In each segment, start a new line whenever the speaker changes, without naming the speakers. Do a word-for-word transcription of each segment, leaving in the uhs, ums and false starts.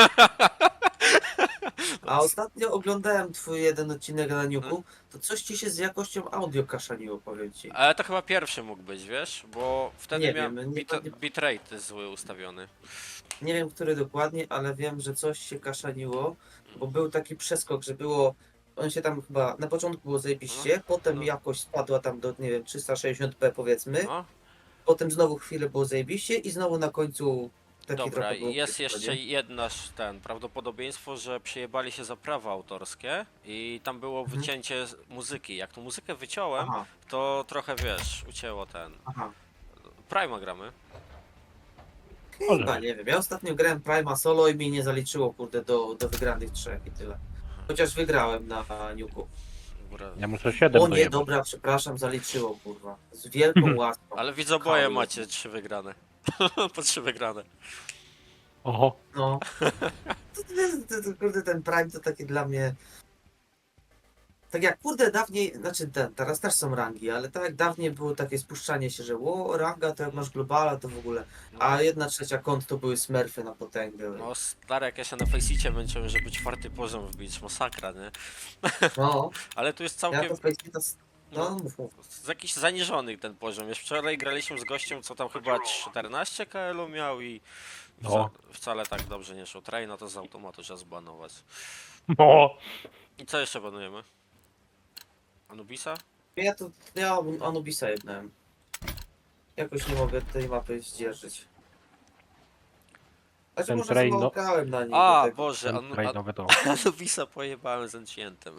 A ostatnio oglądałem twój jeden odcinek na Niuku, to coś ci się z jakością audio kaszaniło, powiem ci.
Ale to chyba pierwszy mógł być, wiesz? Bo wtedy
Nie
miałem
wiem, nie,
bit,
nie,
bitrate zły ustawiony.
nie wiem, który dokładnie, ale wiem, że coś się kaszaniło, bo był taki przeskok, że było, on się tam chyba, na początku było zajebiście, potem
no.
jakość spadła tam do, nie wiem, trzysta sześćdziesiąt p powiedzmy,
No,
potem znowu chwilę było zajebiście i znowu na końcu taki
dobra,
trochę było
i jest
kiepsko,
jeszcze
nie?
jedna sz- ten prawdopodobieństwo, że przejebali się za prawa autorskie i tam było
Mhm.
wycięcie z- muzyki. Jak tą muzykę wyciąłem,
Aha,
to trochę wiesz, ucięło ten.
aha.
Prima gramy.
Chyba, nie wiem, ja ostatnio grałem Prima solo i mi nie zaliczyło, kurde, do, do wygranych trzech i tyle. Chociaż wygrałem na Niuku.
Dobra.
Ja muszę siedem
O nie,
dojebać.
dobra, przepraszam, zaliczyło, kurwa. Z wielką łaską.
Ale widzę, oboje
Halo.
macie trzy wygrane. Po trzy wygrane.
Oho.
No. To, to, jest- to, to, kurde, ten Prime to taki dla mnie... Tak jak, kurde, dawniej, znaczy ten, teraz też są rangi, ale tak jak dawniej było takie spuszczanie się, że o, ranga, to jak masz globala, to w ogóle. A jedna trzecia kont to były smurfy na potęgę.
No stary, jak ja się na Faceicie męczyłem, żeby czwarty poziom wbić, masakra, nie?
No,
Ale tu jest
ja
całkiem...
to Faceita... No,
No,
mów, mów.
z jakiś zaniżony ten poziom. Już wczoraj graliśmy z gościem, co tam chyba czternaście K L-u miał i wca,
No.
wcale tak dobrze nie szło. Traina to z automatu trzeba zbanować.
No.
I co jeszcze banujemy? Anubisa?
Ja to, ja Anubisa jednałem. Jakoś nie mogę tej mapy zdzierżyć. Znaczy
Ten
może
train,
chyba
no.
grałem na niej.
A,
do tego.
Boże,
Ten
anu,
trade
an,
nowy to.
Anubisa pojebałem z Encientem.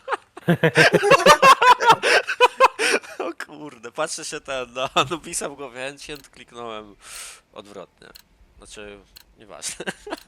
O kurde, patrzę się ten, no Anubisa w głowie Encient, kliknąłem odwrotnie. Znaczy, nieważne.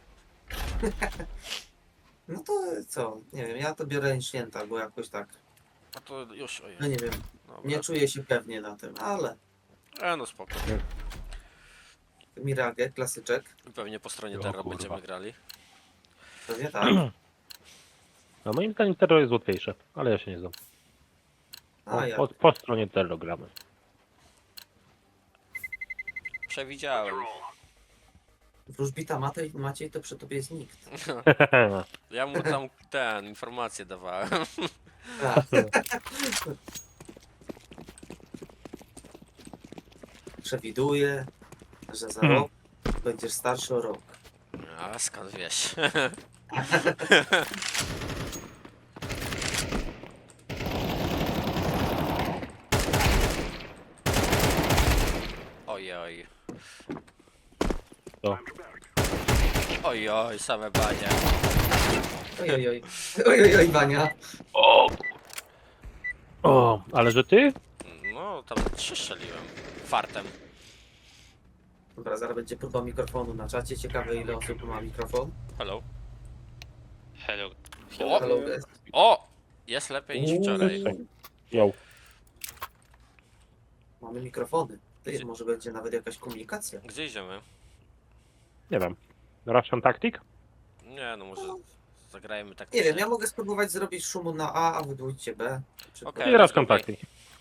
No to co? Nie wiem, ja to biorę Ancienta, bo jakoś tak.
A to już, ojej.
No nie wiem,
Dobra.
nie czuję się pewnie na tym, ale
E, no spoko.
Mirage, klasyczek.
Pewnie po stronie
O
Terra
kurwa.
będziemy grali.
Pewnie tak.
No moim zdaniem Terror jest łatwiejsze, ale ja się nie znam. Po,
A ja.
po, po stronie Terror gramy.
Przewidziałem.
Wróżbita Matej, Maciej to przy tobie jest nikt.
Ja mu tam ten, informację dawałem.
Tak. Przewiduję, że za
Hmm.
rok będziesz starszy o rok.
A skąd wiesz? Ojoj.
To.
Ojoj, same banie.
Oj, oj, oj. Oj, oj, oj, Wania.
O! O, ale że ty?
No, tam trzy strzeliłem. Fartem.
Dobra, zaraz będzie próba mikrofonu na czacie. Ciekawe ile osób ma mikrofon.
Hello.
Hello.
O!
Hello, guys.
O! Jest lepiej niż wczoraj.
Uuu,
Jo.
mamy mikrofony. Ty, może będzie nawet jakaś komunikacja.
Gdzie idziemy?
Nie wiem. Russian Tactic?
Nie, no może zagrajmy tak.
Nie wiem, ja mogę spróbować zrobić szumu na A, a wy dwójcie B. Czy
Okej.
I Russian Tactic.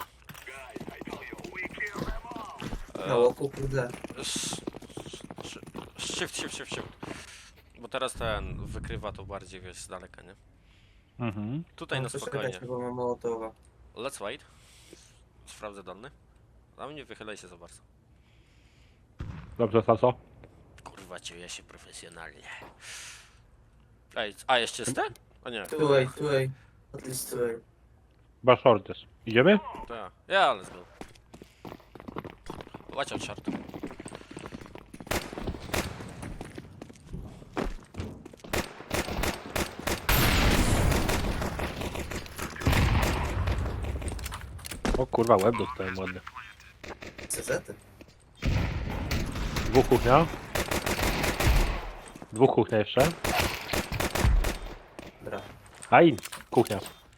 na łoku, kurde.
Sz- sz- Shift, shift, shift, shift. Bo teraz ten wykrywa to bardziej, wiesz, z daleka, nie?
Mhm.
Tutaj na
No, to
spokojnie.
czekajcie, bo mam Mołotowa.
Let's wait. Sprawdzę dane. A mnie wychylaj się za bardzo.
Dobrze, Saso?
Kurwa, czuję się profesjonalnie. Ej, a jeszcze jest ten? O nie,
Two way, two way. At least two way.
Chyba short jest. Idziemy?
to ja. Ja, let's go. Watch out, short.
O kurwa, łeb dostałem ładny.
C Z.
Dwóch kuchnia. Dwóch kuchnia jeszcze.
Dobra.
Aj, kuchnia.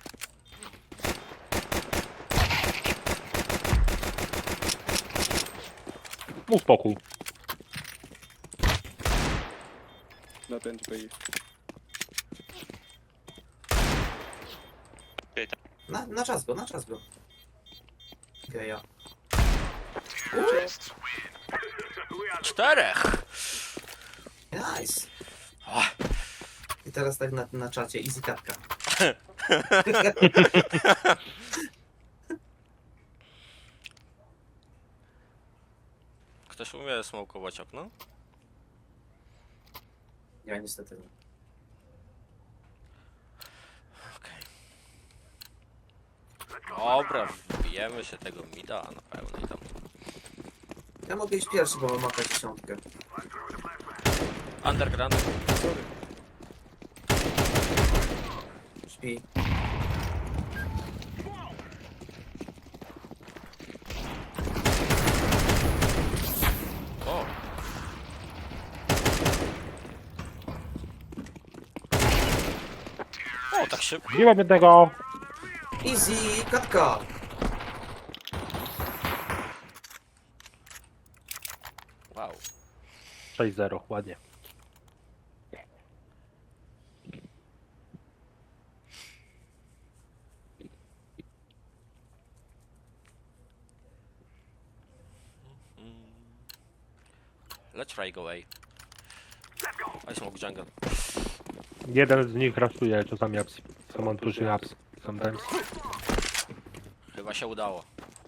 Mów spokój.
Not end B.
Na, na czas go, na czas go. Okej, ja.
Czterech!
Nice.
O,
teraz tak na, na czacie, easy katka.
Ktoś umie smokować okno?
Ja niestety nie.
Okej. Dobra, wbijemy się tego mida na pełnej tam.
Ja mogę iść pierwszy, bo mam maka dziesiątkę.
Underground.
Sorry.
Śpi.
O! O, tak szybko.
Biłem jednego!
Easy katka!
Wow.
sześć zero, ładnie.
Let's try go away. I smoke jungle.
Jeden z nich raszuje czasami apps. Someone pushing apps sometimes.
Chyba się udało.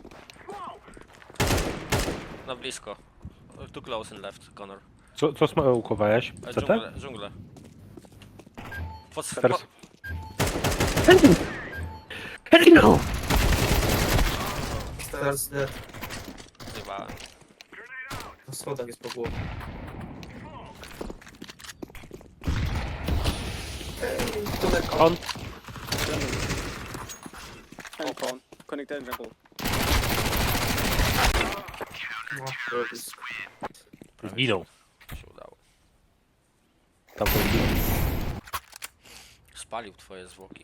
Na blisko. Too close and left, Connor.
Co, co smokowałeś?
E,
C T?
Dżunglę, dżunglę. Pod
Teraz.
po,
Hello!
Teraz dead.
zjebałem.
Na schodach jest po głowie. Ej, Tomek,
On.
And con. Connect and jungle.
no, robisz.
Zginął.
Się udało.
Tam to zginął.
Spalił twoje zwłoki.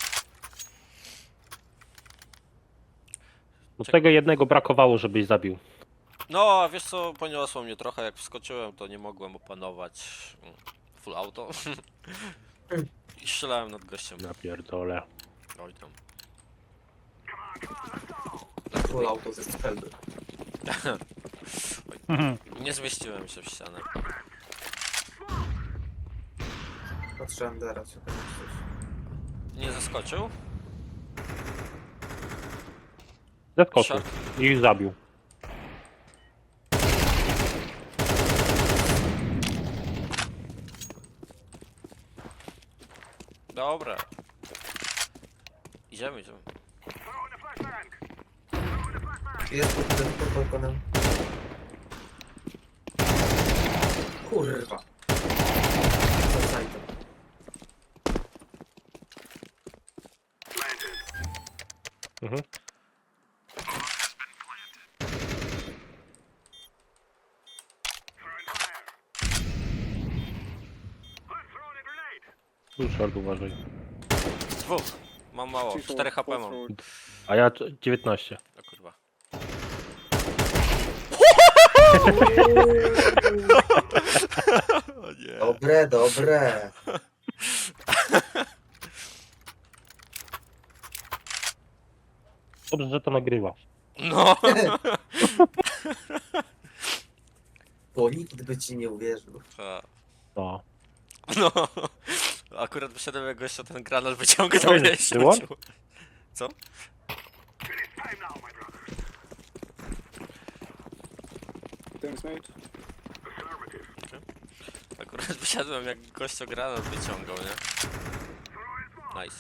No tego jednego brakowało, żebyś zabił.
No, a wiesz co, poniosło mnie trochę, jak wskoczyłem, to nie mogłem opanować mm, full auto. I strzelałem nad gościem.
Napierdolę.
Oj tam.
Full auto ze strzelby.
Nie zmieściłem się w ścianę.
Patrzę Andera, czy tam coś.
Nie zaskoczył?
Zeskoczył.
Shot.
I ich zabił.
Dobra. Idziemy, idziemy.
Jest pod, pod, pod balkonem. Kurwa. Za sajtem.
Mhm. Tu short uważaj.
Dwóch. Mam mało.
Two short,
cztery H P
four
mam.
short.
A ja c- dziewiętnaście.
O kurwa. O nie.
Dobre, dobre.
Dobrze, że to nagrywa.
No.
Bo nikt by ci nie uwierzył.
Ha.
No.
No. Akurat wyszedłem jak gościa ten granat wyciągnął i
Było?
rzucił. Co?
Thanks, mate.
Akurat wysiadłem jak gościa granat wyciągał, nie? Nice.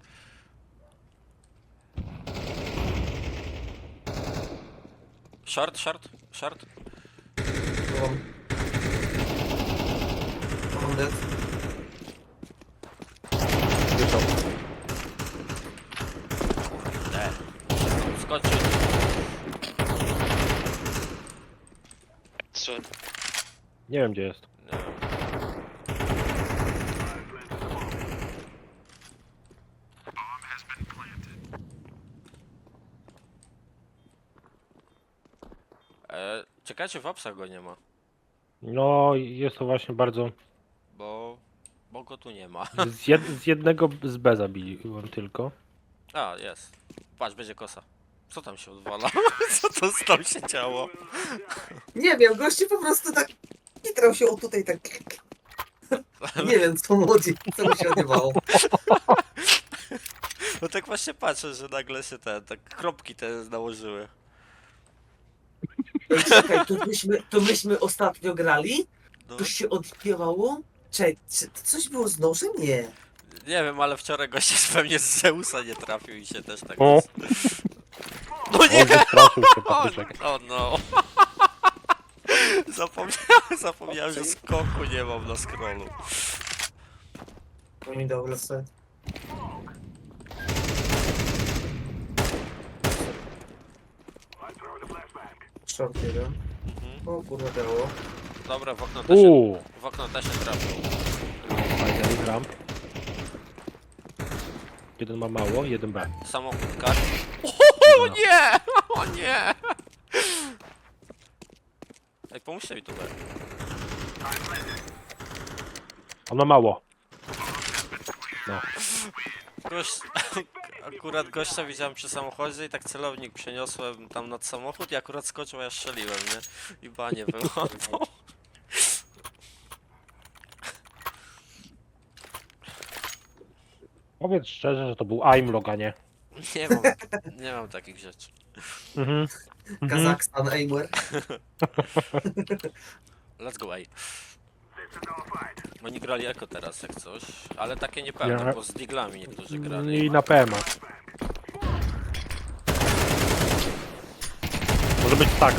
Short, short, short.
Mam. Mam dead.
Wyszał.
E. Skoczył.
So,
Nie wiem gdzie jest.
Nie wiem. E, czekajcie, w apsach go nie ma,
No jest to właśnie bardzo...
bo... bo go tu nie ma.
Z, jed... z jednego z B zabiłem tylko.
A, jest. Patrz, będzie kosa. Co tam się odwala? Co to z tam się działo?
Nie wiem, goście po prostu tak kitrał się o tutaj tak. Nie wiem, co młodzi, co mu się odbywało.
No tak właśnie patrzę, że nagle się te, tak kropki te nałożyły.
Ej, czekaj, to myśmy, to myśmy ostatnio grali?
No,
Coś się odpiewało? Czekaj, czy to coś było z nożem? Nie.
nie wiem, ale wczoraj goście pewnie z Zeusa nie trafił i się też tak...
O,
No
o,
nie!
wystraszył się
O,
patyczek.
o no! Zapomniałem, zapomniałem, że skoku nie mam na scrollu.
To mi dał lecę. Short jeden.
Mhm.
O kurwa dało.
Dobra, w okno też się,
Uuu,
w okno też się trafił.
fajny gram. Jeden ma mało, jeden B.
Samochód kar. O nie! O nie! Ej, pomóżcie mi tu, B.
On ma mało. No.
Gość, akurat gościa widziałem przy samochodzie i tak celownik przeniosłem tam nad samochód i akurat skoczył, a ja strzeliłem, nie? I banie wyłapał.
Powiedz szczerze, że to był aimlog, a nie.
Nie mam, nie mam takich rzeczy.
Mhm. Mhm.
Kazakstan, Aimer.
Let's go, ej. Oni grali eko teraz, jak coś, ale takie niepewne,
Ja-
bo z diglami niektórzy grali.
I na P M A. Może być tak.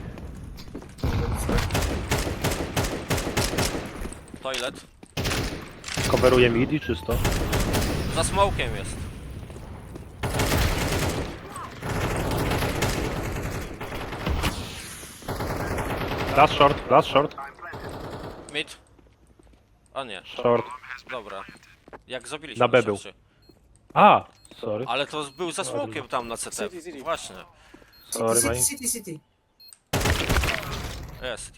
Toilet.
Coveruje mid i czysto.
Za smokiem jest.
Last short, last short,
Mid. O nie,
short.
dobra. Jak zrobiliśmy
Na B był.
rzeczy.
A, sorry.
Ale to był za smokiem tam na C T.
City, city.
Właśnie.
Sorry,
City,
man.
city, city.
Jest.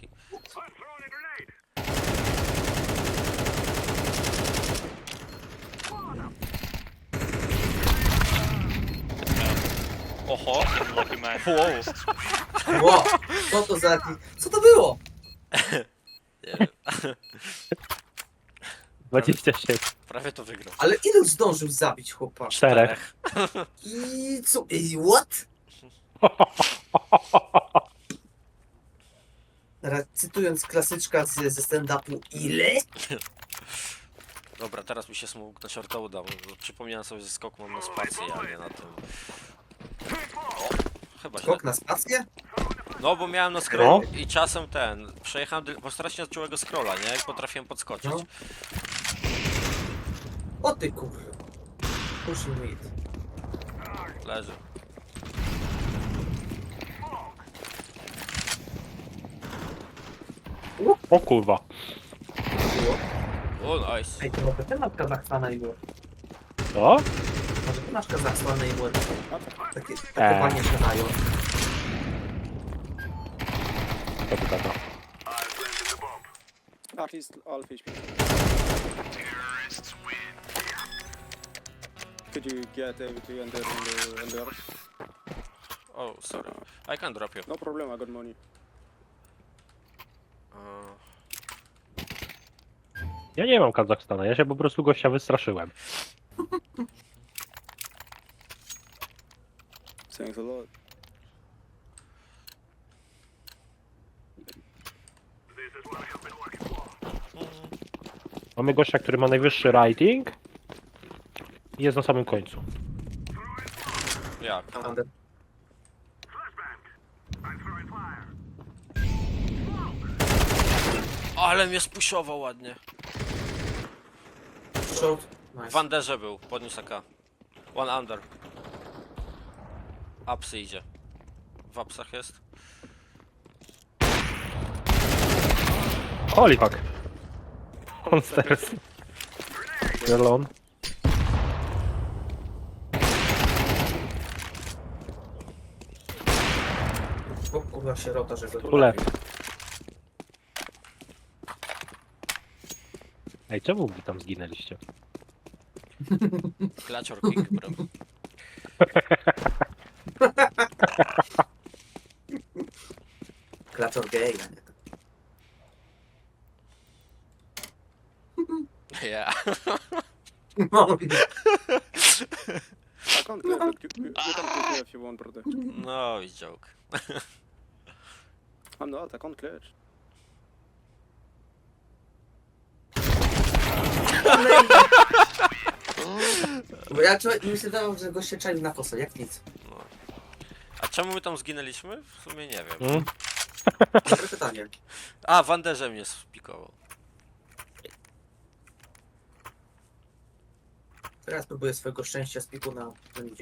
Oho.
Lucky man.
Wow.
Ło, co to za... Co to było?
Nie wiem.
dwadzieścia siedem.
Prawie to wygrał.
Ale ilu zdążył zabić chłopa?
Czterech.
I co? I what? Teraz cytując klasyczka z, ze stand-upu, ile?
Dobra, teraz mi się smok na shorta udał. Przypomniałem sobie, że skok mam na spację, a nie na tym. O, chyba źle.
Skok na spację?
No, bo miałem na scrollu i czasem ten. Przejechałem, dyl- bo strasznie od czułego scrolla, nie? I potrafiłem podskoczyć.
No. O ty kurwa. Pushing mid.
Leży.
O kurwa.
Było.
O, nice.
Ej, to może ty masz Kazachstana i było.
Co?
Może ty masz Kazachstana i było. Takie, takie
Eee.
panie się dają.
To by taka.
At least all H P. Could you get able to enter in the L R?
Oh, sorry. I can drop you.
No problem, I got money.
Uh,
Ja nie mam Kazachstana, ja się po prostu gościa wystraszyłem.
Thanks a lot.
Mamy gościa, który ma najwyższy rating i jest na samym końcu.
jak?
Under.
Ale mnie spuszował ładnie.
Short. Nice.
W Anderze był, podniósł A K. One under. Upsy idzie. W upsach jest.
Holy fuck. Monsters. Jelon.
O kurwa sierota, że go
Tu lew. Ej, czemu wy tam zginęliście?
Klacior kick, bro.
Klaczor gay, a nie.
Yeah.
No,
I can't clear, but you, you, you can pick me if you want, brother.
No, i joke.
I'm not, I can't clear.
bo ja czułem, mi się wydawało, że goście czaił na kosę, jak nic.
No. A czemu my tam zginęliśmy? W sumie nie wiem.
Mm?
Dobre pytanie.
A, Wanderze mnie spikował.
Teraz próbuję swojego szczęścia z piku na Zenicie.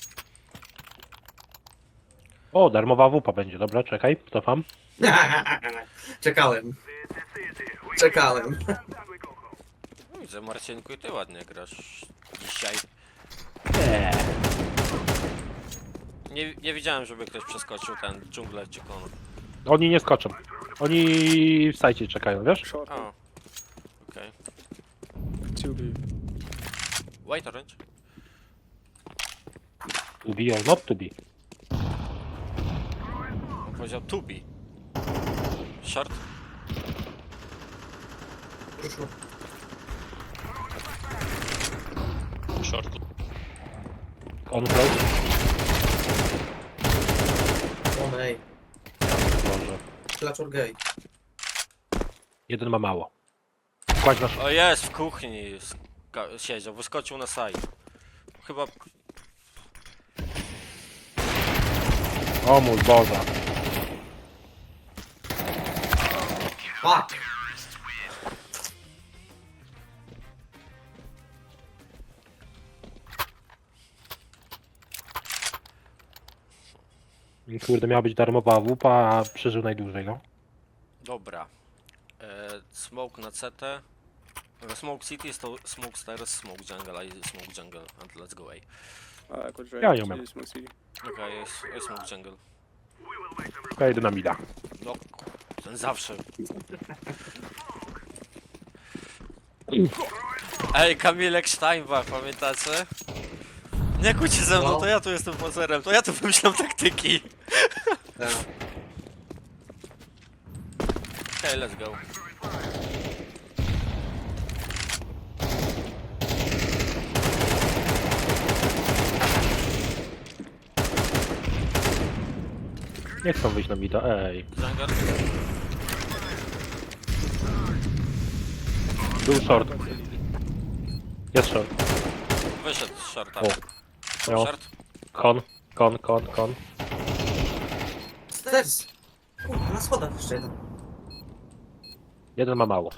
O, darmowa wupa będzie, dobra, czekaj, cofam.
Czekałem. Czekałem.
No, widzę, Marcinku, i ty ładnie grasz dzisiaj.
Eee.
Nie, nie widziałem, żeby ktoś przeskoczył ten dżunglę czy kono.
Oni nie skoczą. Oni w sajcie czekają, wiesz?
Short,
O. Okej.
two B.
White orange?
To be or not to be.
On powiedział to be. Short?
Ruszył.
Short.
On close.
O nej.
Może.
Klaczor gay.
Jeden ma mało. Kładź na sz...
O, jest w kuchni. Ska- Siedział, wyskoczył na side. Chyba...
O mój Boże.
Fuck!
Kurde, miała być darmowa wupa, a przeżył najdłużej, no.
Dobra. E, smoke na C T. E, Smoke City jest to Smoke Stairs, Smoke Jungle, I Smoke Jungle. And let's go A.
I could try
Ja
to
nie umiem.
use my C D.
Okej, jest, jest Smoke Jungle.
Ja jedę na mida.
No, ten zawsze. Ej, Kamilek Steinbach, pamiętacie? Nie kłóćcie ze mną,
No.
to ja tu jestem pozerem, to ja tu wymyślam taktyki.
Tak.
Okej, let's go.
Nie chcą wyjść na mida, ej.
Jungle?
Był short. Jest short.
Wyszedł z shorta.
O. No.
Short?
Kon, kon, kon, kon.
Stairs! Kurwa, na schodach jeszcze jeden.
Jeden ma mało.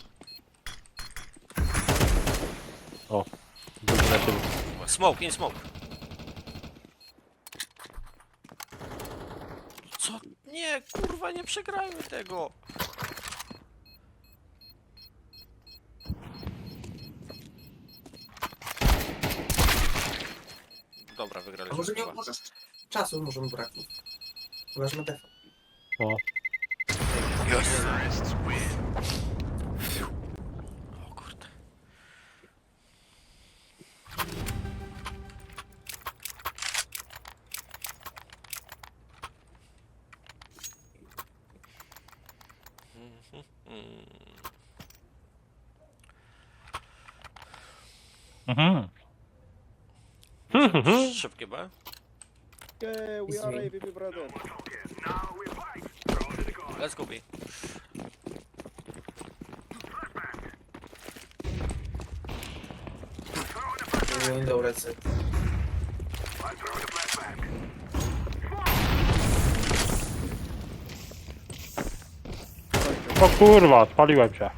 O. Drugi na tym.
Smoke, in smoke. Co? Nie, kurwa, nie przegrajmy tego. Dobra,
A
wygraliśmy.
może nie
chyba.
możesz czasu może mu braknąć. Chyba, że ma defa.
O.
Yes. O kurde.
Mhm.
Szybkie B.
Yeah, we
It's
are
me.
A V P, brother.
Let's go B.
Window lecę.
O kurwa, spaliłem się.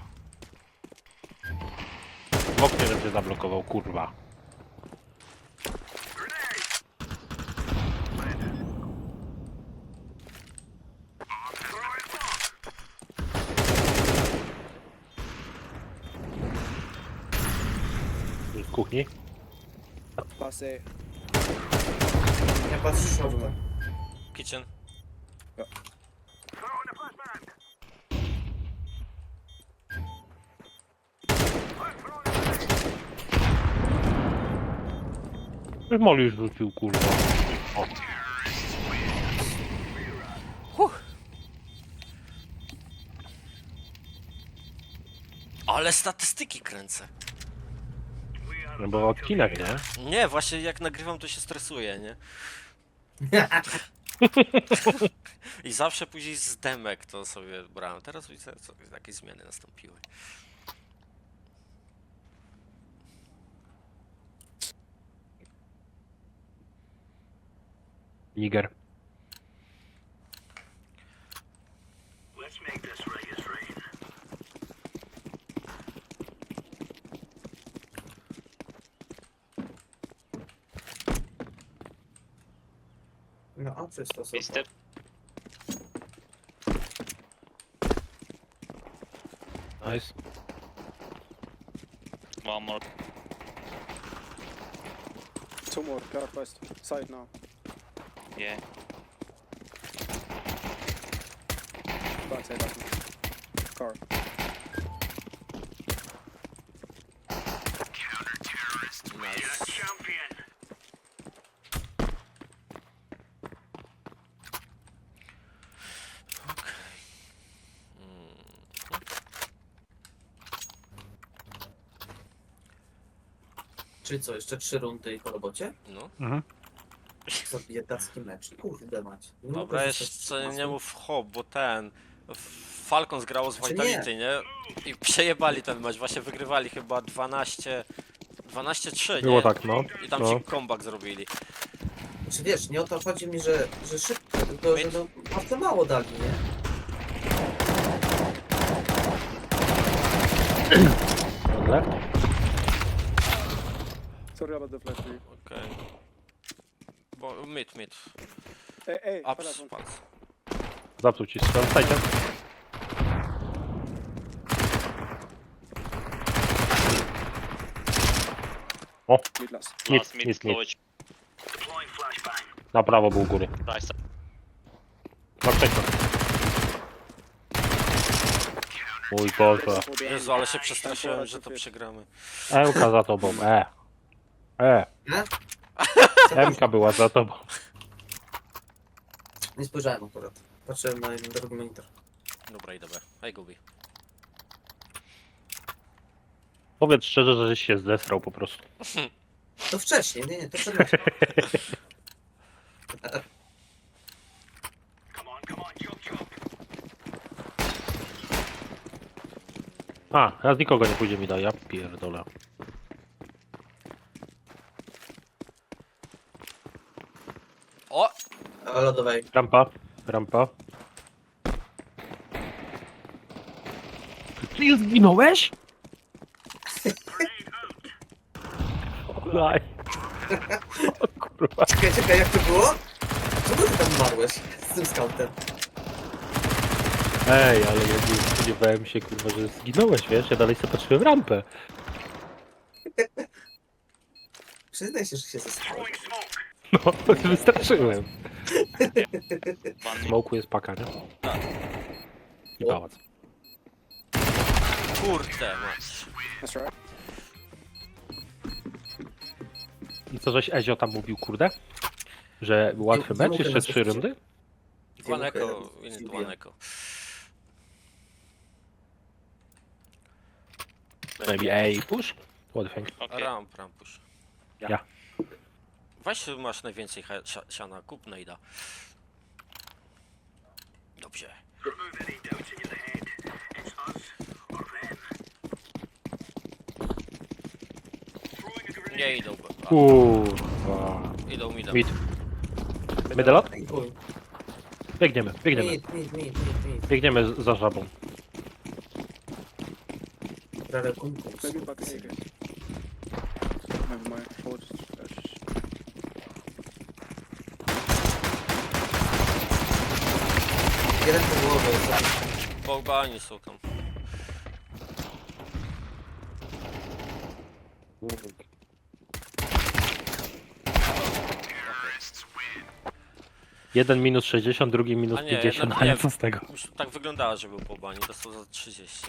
W oknie, żebym się zablokował, kurwa. Z kuchni?
Pass A.
Ja patrzę shorta.
Kitchen.
Już Moli już rzucił, kurwa. O.
Ale statystyki kręcę.
No bo odcinek, nie?
Nie, właśnie jak nagrywam to się stresuję, nie? I zawsze później z demek to sobie brałem. Teraz widzę, co jakieś zmiany nastąpiły.
Niger.
No, a czysto sobie.
Step.
Nice.
One more.
Two more, car west. Side now.
Yeah.
Backside last one. Car.
Nice.
Czyli co, jeszcze trzy rundy i po robocie?
No.
Mhm.
Za biedacki mecz. Kurde mać. Nie mogę
Dobra,
zostać
jeszcze nie
trzynastym.
mów hop, bo ten... Falcon zgrało z
Znaczy
Vitality, nie? I przejebali ten mecz, właśnie wygrywali chyba dwanaście... dwanaście trzy, nie?
Było tak, no.
I tam
No.
ci comeback zrobili.
Znaczy wiesz, nie o to chodzi mi, że, że szybko, tylko że no, bardzo mało dali, nie?
Dobra.
Sorry about the flash. dude.
Okej. Bo mid, mid.
Hey, hey,
Ups,
last one.
patrz.
Zapsuł ci strzał. Stajcie. O,
Mid last.
Mid,
Last mid,
mid, mid.
slowage.
na prawo był u góry.
Right side.
Patrzcie. Mój Boże.
Double behind.
Jezu, ale się przestraszyłem, że to przegramy.
Emka za tobą, e. E.
Nie?
Emka była za tobą.
Nie spojrzałem akurat. Patrzyłem na jeden drugi monitor.
Dobra, idę B. Hej, Gubi.
Powiedz szczerze, że żeś się zesrał po prostu.
To wcześniej, nie, nie, to przed meczem.
A, raz nikogo nie pójdzie mi da, ja pierdolę.
O!
A lodowej.
Rampa, rampa. Ty zginąłeś? Daj. O kurwa.
Czekaj, czekaj, jak to było? Czemu ty tam umarłeś z tym scoutem?
Ej, ale ja nie spodziewałem się kurwa, że zginąłeś, wiesz? Ja dalej sobie patrzyłem rampę.
Przyznaj się, że się zesrałeś.
No, wystarczyłem.
One mid.
Smoku jest paka, nie? I pałac.
Kurde, mać.
That's right.
I co żeś Ezio tam mówił, kurde? Że łatwy
Nie
mecz,
mogę
jeszcze
nas
trzy
zaskoczyć.
rundy?
One echo,
Dziękuję.
inny one echo.
Maybe A push? What do you think?
Okay.
Ramp, rampusz.
Ja.
Weź masz najwięcej he- sia- siana, kup nejda. Dobrze. Nie idą, bo- a,
Kurwa.
idą midem.
Mid. Medalot?
Ej, chuj.
Biegniemy, biegniemy.
Mid, mid, mid, mid, mid.
Biegniemy z- za żabą.
Prawie kumkum.
Maybe back in here. Never mind. Forward flash.
Jeden po głowie.
Bałbani są tam.
Jeden minus sześćdziesiąt, drugi minus
A nie,
pięćdziesiąt,
jeden-
ale
nie.
co z tego?
Już tak wyglądało, że był po bani, dostał za trzydzieści.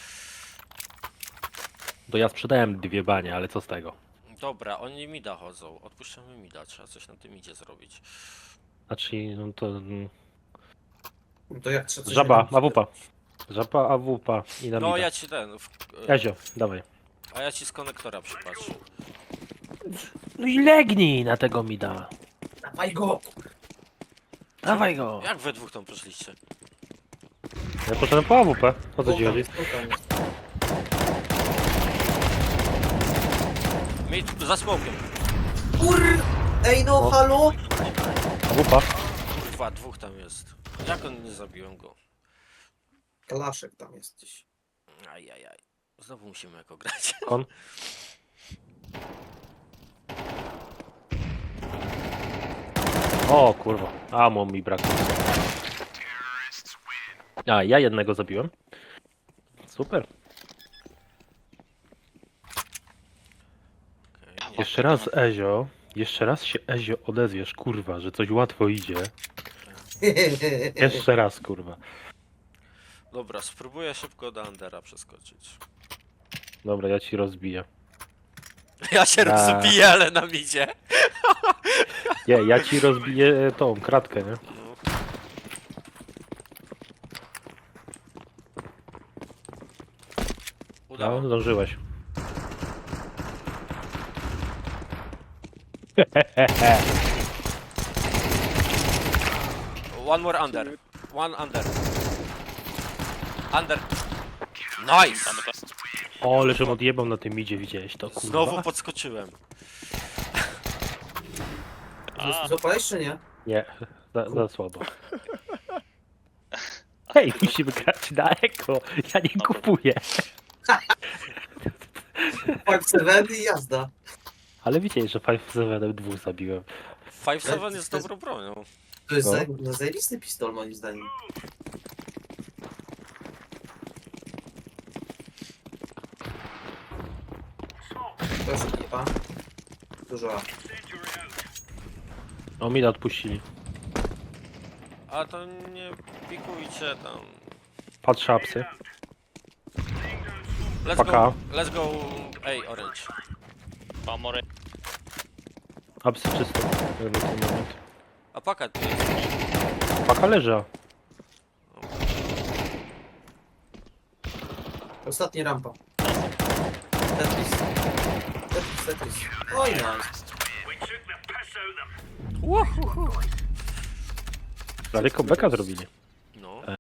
To ja sprzedałem dwie banie, ale co z tego?
Dobra, oni mida chodzą. Odpuszczamy mida, trzeba coś na tym idzie zrobić.
Znaczy, no to... mm,
No to jak trzeba coś
Żaba,
robić?
A W P. Żaba, A W P i na
No
mida.
ja ci ten. W,
Ezio, dawaj.
A ja ci z konektora przypatrzę.
No i legnij na tego mida.
Dawaj go!
Dawaj go.
Jak we dwóch tam poszliście?
Ja poszedłem po A W P. O co ci
Spokojnie,
chodzi?
spokojnie.
Mid za smokiem.
Kur... Ej no,
O.
halo?
A W P.
Kurwa, dwóch tam jest. Jak on nie zabiłem go?
Kalaszek tam jest gdzieś.
Ajajaj. Znowu musimy jako grać.
Kon. O kurwa. Amo mi brakło. A, ja jednego zabiłem. Super.
Okej, nie.
Jeszcze raz Ezio. Jeszcze raz się Ezio odezwiesz, kurwa, że coś łatwo idzie. Jeszcze raz, kurwa.
Dobra, spróbuję szybko do Undera przeskoczyć.
Dobra, ja ci rozbiję.
Ja się
Da.
rozbiję, ale na midzie.
Nie, ja ci rozbiję tą kratkę, nie?
No. Udało.
No, zdążyłeś.
One more under. One under. Under. Nice!
Mamy to.
O, ale żem odjebał na tym idzie, widziałeś to, kurwa?
Znowu podskoczyłem.
A,
Złapałeś czy nie?
Nie, za, za słabo. Hej, musimy grać na eko. Ja nie kupuję.
Five Seven i jazda.
Ale widziałeś, że pięć siedem dwóch zabiłem.
five seven jest dobrą bronią.
To jest
No.
zaj... no, zajebisty pistol moim zdaniem. Proszę nie pan. Dużo A.
O, mi odpuścili.
A to nie pikujcie tam.
Patrzę apsy.
Let's
Paka.
go. Let's go. Ej, orange.
pamory.
Apsy czysto. Jakby ten moment.
A paka tu jest.
Paka leży.
Ostatnia rampa. Tetris. Tetris, Tetris. Oj, nice.
Daleko beka zrobili.